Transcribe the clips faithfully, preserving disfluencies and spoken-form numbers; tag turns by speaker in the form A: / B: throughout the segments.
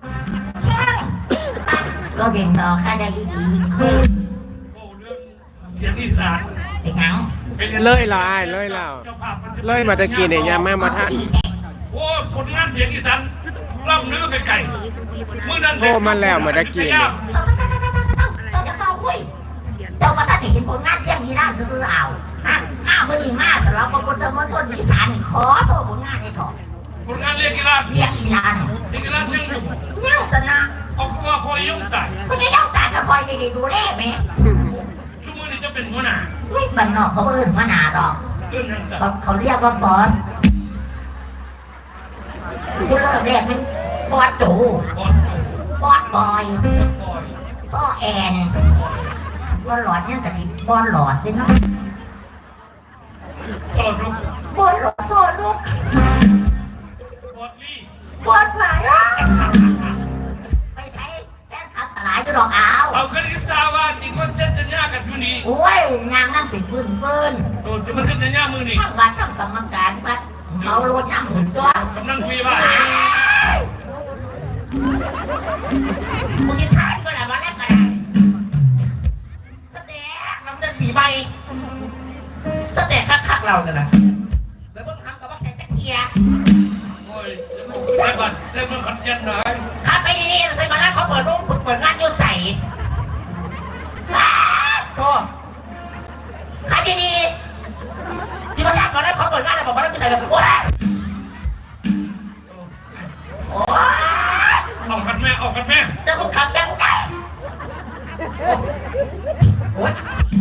A: ช่างก็เบ่งต่อค่าได้ดี
B: โอ้เรื่องเสียงอีสาน
A: เป็นยัง
C: เลยละอ้ายเลยแล้วเลยมาตะกี้เนี่ยยามมามาทัน
B: โอ้ผลงานเสียงอีสานล่ำเนื้อไปไก่มือนั้น
C: โทรมาแล้วมาตะกี้เนี่ย
A: เจ้าเจ้าเจ้าเจ้าเจ้าเจ้าเจ้าจะเข้าคุยเจ้าก็ตัดเห็นผลงานเยี่ยมยีราฟซื้อเอาฮะหน้ามือดีมากสำหรับคนเดิมคนต้นอีสานขอโซ่ผลงานให้ก่อน
B: ผลงานเรียกกีฬา
A: เรียกอีลาน
B: เรียกกีฬาเรื่องหนึ่ง
A: เงี้ยกันนะ
B: เขาคือว่าพอยุ่งตาย
A: คุณจะย่องตาจะคอยดีๆดูแลไหม
B: ชั่วโมงนี้จะเป็นหัวหน้า
A: ไม่บันนอกเขาเอิ้นมาหนาดอก
B: เรื่องนั้นแต่
A: เขาเขาเรียกว่าบอสคุณเริ่มแรกมันบอสจู
B: บอล
A: บอสบอย
B: บอย
A: ซ้อแอนบอลหลอดเนี่ยแต่ที่บอลหลอดเป็นเนาะ
B: สอดลูก
A: บอลหลอดซ้อลูก
B: บอลลี่
A: บอลฝ่ายไปใช้แฟนคลับหลายจะดอกเอา
B: เอาคณิตศาสตร์ว่าจริงว่าเจ็ดจะยากกันอยู่นี่
A: โอ้ยงานนั่งสิปืนปืน
B: โดนจะมาเจ็ดจะยากมือนี่
A: ทั้งวันทั้งกรรมการวัดเมารถย่ำหุ่นจ้ว
B: กำลังคุยว่า
A: กูจะถ่ายก็แล้ววันแรกก็ได้สเต็กเราเดินปีใบสเต็กคักๆเราเนี่ยนะแล้วบางครั้งก็ว่าแข่งตะเกีย
B: โอ้ยใส่บัตรใส่บัตรขัดยันหน่อย
A: ขับไปดีๆใส่มาแล้วเขาเปิดรูปเปิดงานโยใส่ว้าวโตขับดีๆสิมาจัดมาแล้วเขาเปิดงานแล้วบอกว่าไม่ใส่เลยโอ้ยโอ้ย
B: ออกกันแม่ออกกันแม่
A: จะกูขับแล้วกูได้โอ้ย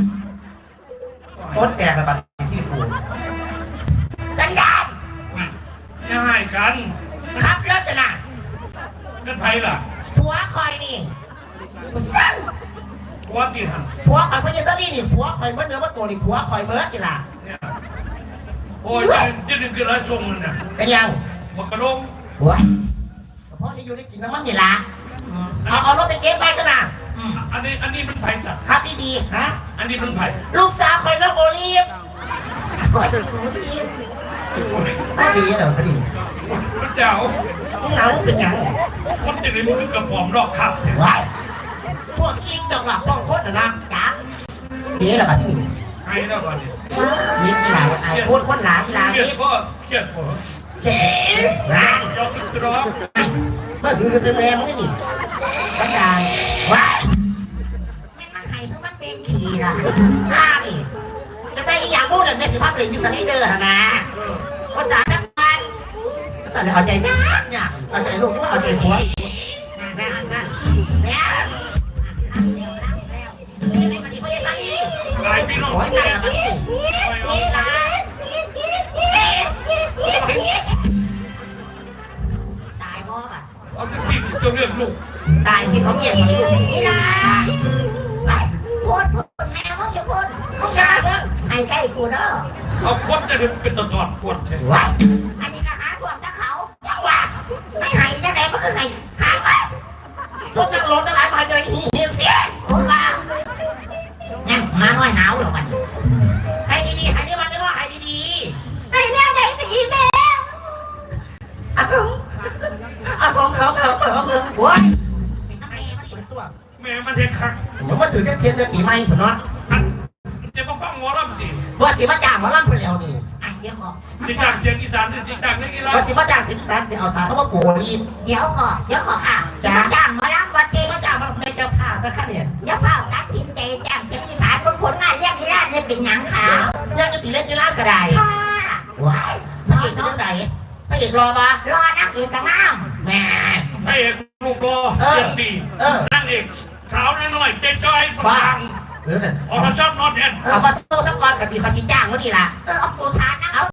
A: ต้นแก่ระบาดที่กูสัญญาณ
B: ง่ายกัน
A: ขับรถจะนะ
B: กันไพ่ล่ะ
A: ผัวคอยนี่กูสั่ง
B: ผัวตีหัน
A: ผัวคอยเพื่อนยังนี่นี่ผัวคอยเมื่อเนื้อว่าตัวนี่ผัวคอยเมื่อกี่ล่ะ
B: เนี่ยโอ้ยยืดยืดคือไรชงเลยเนี่ย
A: เป็นยัง
B: บักกระโดง
A: ผัวเพราะที่อยู่ได้กินน้ำมันกี่ล่ะเอาเอารถไปเก็บไปกันนะ
B: อันนี้อันนี้มันไผ่จัด
A: ขับดีๆฮะ
B: อันนี้มันไผ่
A: ลูกสาวคอยแล้วโอลีฟโอ้ยโอลีฟก็ดีเหรอพอดี
B: พระเจ้า
A: มึงหนาวเป็นยัง
B: คนจะได้มือกระป๋อมรอกขับ
A: ว้ายพวกคิงดอกหลับกล้องโคตรนะจ้าดีเหรอบัดนี้
B: ไอ้แล้วก่อนนี่
A: มีกีฬาไอ้โคตรคนหลากีฬา
B: เครียด
A: มี
B: พ่อเครียดพ่อ
A: เจ๋งงาน
B: ยกขึ้นกระดอง
A: เมื่อคือเซเมมึงนี่สัญญาณว้ายไม่มันไห้คือมันเป็นขี่ล่ะข้านี่จะได้อีกอย่างพูดเนี่ยสิภาพเปลี่ยนยูสไลเดอร์นะภาษาจังหวัดภาษาเนี่ยเอาใจนักเนี่ยเอาใจลูกว่าเอาใจหัวนั่นนั่นเนี่ยนี่ไม่มาดีไม่ได้สักที
B: หลายพี่น้อง
A: โอ้ยงานละมันนี่นี่ละตายบ่ป่ะ
B: เอาที่จะเรียกลูก
A: ตายกินของเกียรตินี่ละไปพูดพูดแม่มึงอย่าพูดมึงอย่าเพิ่งให้ใกล้กูเด้อ
B: เอาคนจะได้เป็นตอดตอดปวดแทน
A: ว้าอันนี้ก็หาพวกตะเขาอย่าว่าไม่ให้จะไหนมันก็ให้หาไปพวกนักรถทั้งหลายมาจะได้เหี่ยวเสียโอ้บ้าเนี่ยมาหน่อยหนาวหรอมันให้ดีๆให้ดีมันได้ว่าให้ดีๆให้แน่ไหนจะอีแม่อ้าวอ้าวเขาเขาเขาเขาโอ้ยเป็นทำไมมันเป็นตัว
B: แม่มันเห็นคัก
A: ผมมาถือแค่เทียนในปีใหม่ผมเนาะ
B: อันจะมาฟังหมอลำสิ
A: ว่าสิมาจ้างหมอลำไปแล้วนี่อันเดียวก่อน
B: จิจากเชียงอีสานจิจากนักกีฬา
A: ว่าสิมาจ้างสิสันไปเอาสารเขามาโปรยเดี๋ยวก่อนเดี๋ยวก่อนค่ะจะมาจ้างหมอลำว่าสิมาจ้างมาเป็นเจ้าภาพนะคะเนี่ยเจ้าภาพตัดสินใจจ้างเสียงอีสานบางคนงานเรียกกีฬาเนี่ยเป็นหยังขาวยังจะตีเล่นกีฬากระไดว้ายพระเอกเป็นยังไงพระเอกรอปะรอนักเอกกับน้ำแม่
B: พระเอกลูกโลเสียงดีนั่งเอกสาวน้อยๆเจ๊จ้อยฟัง
A: เออ
B: ออกมาชอบนอนแอน
A: เอามาโซ่สักวันกันดีเขาชี้จ้างวะนี่ล่ะเออเอาโปรชาร์นะเอา